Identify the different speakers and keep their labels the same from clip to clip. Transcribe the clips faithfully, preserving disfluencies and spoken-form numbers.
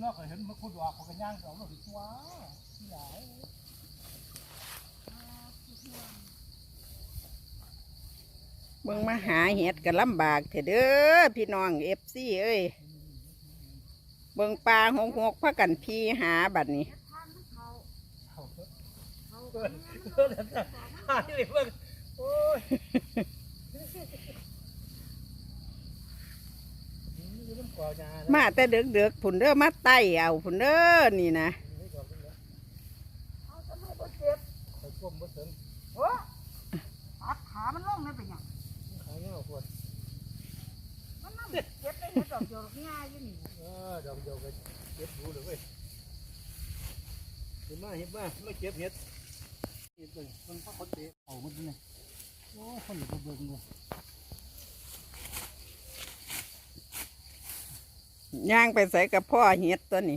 Speaker 1: นาะเคยเห็นมันขุดว่าเขากันย่างสองเราถึงว้าที่ไหน
Speaker 2: เบิ่งมาหาเห็ดกันลำบากเถอะเด้อพี่น้องเอฟซีเอ้ยเบิ่งปลาหกหกพากันพี่หาบัดนี้มาแต่เดือกเดือกผุนเด้อมาไต่เอาผุนเด้อนี่นะ
Speaker 3: ตัดขามันลงเลยเป็นยังขาเงาปวดมันนั่งเก็บได้เห็ดดอกเดียวง่ายอยู่นี่เออดอกเดียวก็เก็บดูเลยเว้ยเห็นมาเห็นมาไม่เก็บเห็ดเห็ดเลยมันพักคนเตะเอามันนี่โอ้คนอยู่เบิ่งเลย
Speaker 2: ย่างไปใส่กับพ่อเห็ดตัวนี้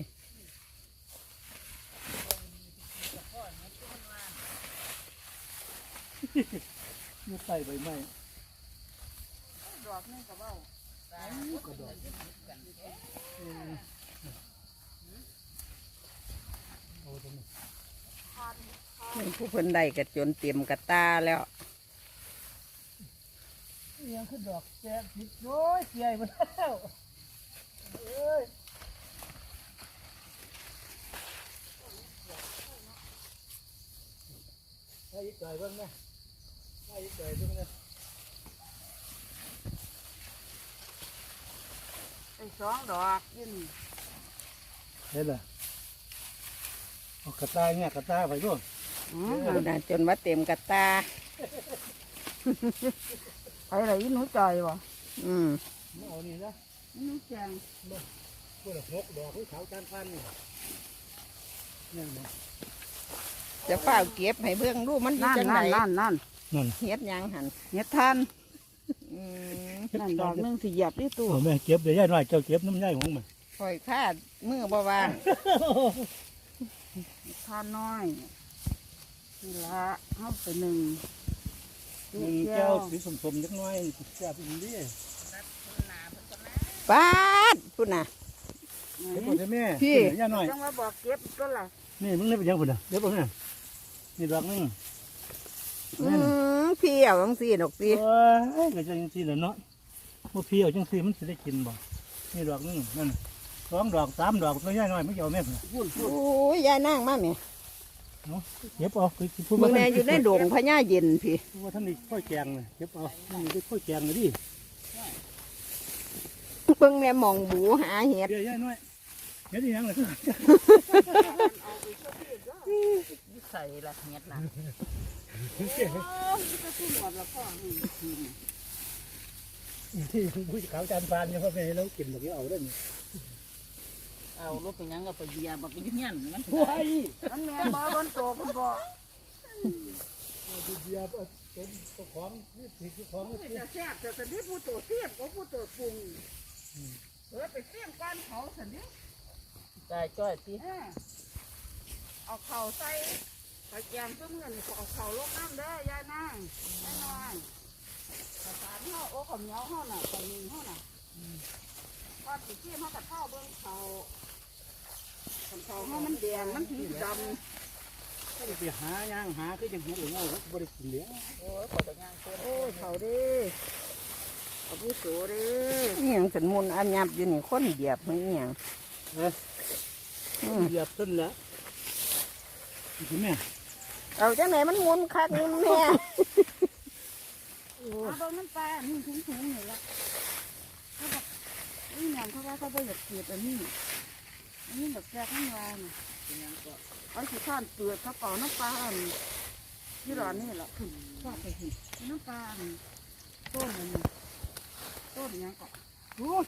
Speaker 1: มือใส่ใบไม้
Speaker 3: ดอกนี่ก็เบ้าก็ดอก
Speaker 2: ผู้เพิ่นได้กระจนเต็มกระตาแล้ว
Speaker 1: ยังคือดอกแจ๊ติดโอ้ยเสียไปแล้วเอ้ยให้ยิ่งใหญ่บ้างนะให้ยิ่งใหญ่บ้างนะ
Speaker 3: ไอ้สองดอกยืน
Speaker 1: เห็นเหรอเอากระตาเนี่ยกระตาไปด้วย
Speaker 2: อ๋อจนว่าเต็มกระตา
Speaker 3: ไปไหนหนูจ่อยวะ
Speaker 2: อืม
Speaker 1: เอานี่นะ
Speaker 3: หนูแจง
Speaker 1: พวกหกดอกที่เขาจานพันนี่นี่นะ
Speaker 2: จะเฝ้าเก็บให้เบื้องรูมันอยู่จังไหน
Speaker 3: นั่นนั่น
Speaker 1: นั่น
Speaker 2: เฮ็ดยังหัน
Speaker 3: เฮ็ดทัน
Speaker 2: อืม
Speaker 3: นั่นดอกนึงสิเหยียบที่ตู้
Speaker 1: แม่เก็บเดี๋ยวย่ายหน่อยเจ้าเก็บน้ำย่ายของมัน
Speaker 2: คอยคาดมือบ่วาง
Speaker 3: ทานน้อยนี่ละเอาไปหนึ่ง
Speaker 1: หนึ่งแก้วสีสมๆยักน้อยแซ่บอีกนิด
Speaker 2: ปาดพุ่นน่ะ
Speaker 1: เก็บหมดเลยแม่พี่ย่าหน่อย
Speaker 3: ต้องมาบอกเก็บก็ล่ะ
Speaker 1: นี่มึงได้เป็นยังพุ่นอ่ะเดี๋ยวบอกเนี่ยนี่ดอกนึง
Speaker 2: อืมพี่เอาจังซี่ดอกสิ
Speaker 1: เอ้ยก็จะจังซี่แหละเนาะบ่พี่เอาจังซี่มันสิได้กินบ่นี่ดอกนึงนั่นสองดอกสามดอกน้อยย่าหน่อยไม่เอาแม่พุ่น
Speaker 2: โอ้ยยายนั่งมาแม่
Speaker 1: เนาะเก็บเอาคือ
Speaker 2: พูดแม่อยู่ในโด่งพญาเย็นพี่
Speaker 1: ว่าท่านนี่ค่อยแกงเลยเก็บเอานี่ได้ค่อยแกงเลยดิ
Speaker 2: เพิ่งแม่มองบูหาเห็ด
Speaker 1: เดี๋ยวย่าน้อยเห็ดยังเลย
Speaker 3: ใส่ละเห็ดนะ
Speaker 1: ที่ผู้ขาวจานฟานเนี่ยพ่อแม่เรากินแบบนี้เอาได้ไหม
Speaker 3: เอารถไปยังก็ไปเบียร์แบบไปยืนยันมัน
Speaker 1: โอ้ย
Speaker 3: มันแม่บ้าบนโตคุณพ่อ
Speaker 1: เบียร์เป็นตัวของนี่ผิดตัวของ
Speaker 3: นี่จะแซ่บแต่ตอนนี้ผู้โตเทียบกับผู้โตปรุงเออไปเสี่ยงก้อนเขาสันนี้
Speaker 2: ได้จ้อยสิ
Speaker 3: เอาเข่าใส่ตะแกรงซึ่งเงินเอาเข่าลกน้ำได้ยายนั่งยายน้อยภาษาที่เขาโอ้ขมเหนียวเขาน่ะขมหนึ่งเขาน่ะพอติดที่เขากับเท่าเบื้องเขาเขาเขามันแดงมันถึงดำ
Speaker 1: ก็ไปหาย่างหาคือจังเห็ดหรือเงาบริสุทธิ์เหลือ
Speaker 3: โอ้ยขอแต่ย่างโอ้ยเขาดิเอาผู้โสดิ
Speaker 2: นี่ยังสันมุนอันยับอยู่นี่คนเหยียบไม่เอียง
Speaker 1: เออเหยียบต้นแล้วคุณแม่
Speaker 2: เอาจังไหนมันมุนคักนี่แม่
Speaker 3: เอาตรงนั้นปลานี่ถึงถึงนี่ละเขาบอกนี่อย่างเขาว่าเขาไปหยัดเกลียดอันนี้อันนี้แบบแซ่บข้างล่างเอาขี้ข้านเปลือกเขาเป่าน้ำปลาอันที่ร้อนนี่แหละขึ้นชอบไปหิน้ำปลาอันต้นอันต้นยังก็
Speaker 1: โอ้